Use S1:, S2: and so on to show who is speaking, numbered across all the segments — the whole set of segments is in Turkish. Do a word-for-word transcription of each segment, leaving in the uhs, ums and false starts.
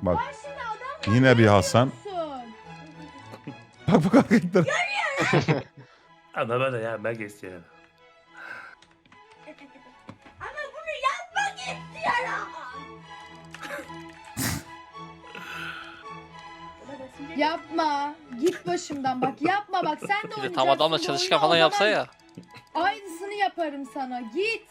S1: Bak
S2: Bak şimdi adam
S1: yine bir Hasan.
S2: yapıyorsun.
S1: Bak bak hareketler.
S3: Ama böyle ya ben istiyorum.
S2: Ama bunu yapmak istiyorum. Yapma. Git başımdan bak. Yapma bak. Sen de
S4: Bir de
S2: oynayacaksın.
S4: tam adamla
S2: bu
S4: çalışkan
S2: oyunu,
S4: falan
S2: o
S4: yapsa
S2: zaman
S4: ya.
S2: Aynısını yaparım sana. Git.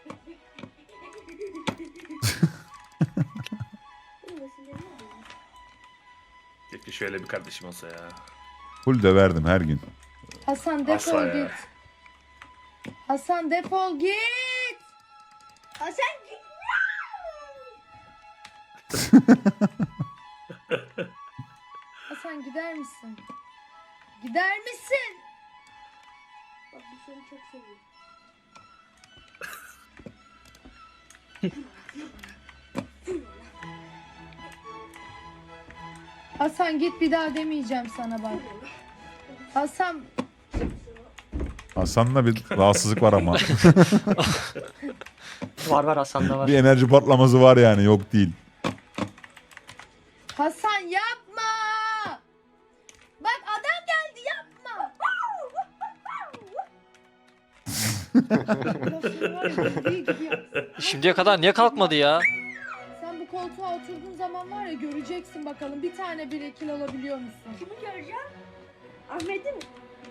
S3: Keşke şöyle bir kardeşim olsa ya.
S1: Full döverdim her gün.
S2: Hasan defol
S3: Asla ya.
S2: git. Hasan defol git. Hasan git. Hasan gider misin? Gider misin? Bak bu seni çok seviyor. Hasan git, bir daha demeyeceğim sana bak. Hasan
S1: Hasan'da bir rahatsızlık var ama.
S5: Var var Hasan'da var.
S1: Bir enerji patlaması var yani, yok değil.
S2: Hasan yapma. Bak adam geldi, yapma. Lafını var ya, bildiği gibi yap.
S4: Şimdiye kadar niye kalkmadı ya?
S2: Sen bu koltuğa oturduğun zaman var ya, göreceksin bakalım bir tane bir ekil alabiliyor musun? Kimi göreceğim? Ahmet'i mi?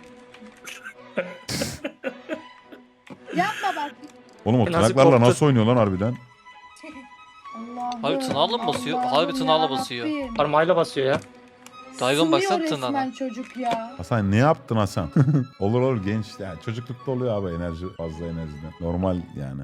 S2: Yapma bak.
S1: Oğlum o
S5: E nasıl
S1: tırnaklarla
S5: korktu?
S1: nasıl oynuyor lan harbiden?
S2: Allah'ım.
S4: Harbi tırnağıyla mı basıyor?
S2: Allah'ım
S4: Harbi tırnağıyla
S2: yarabbim.
S4: basıyor.
S5: Parmağıyla basıyor ya.
S4: Dayıvan
S2: Sınıyor
S4: baksana
S2: resmen
S4: tırnağına.
S2: çocuk ya.
S1: Hasan ne yaptın Hasan? Olur olur genç. Yani çocuklukta oluyor abi enerji, fazla enerjiden. Normal yani.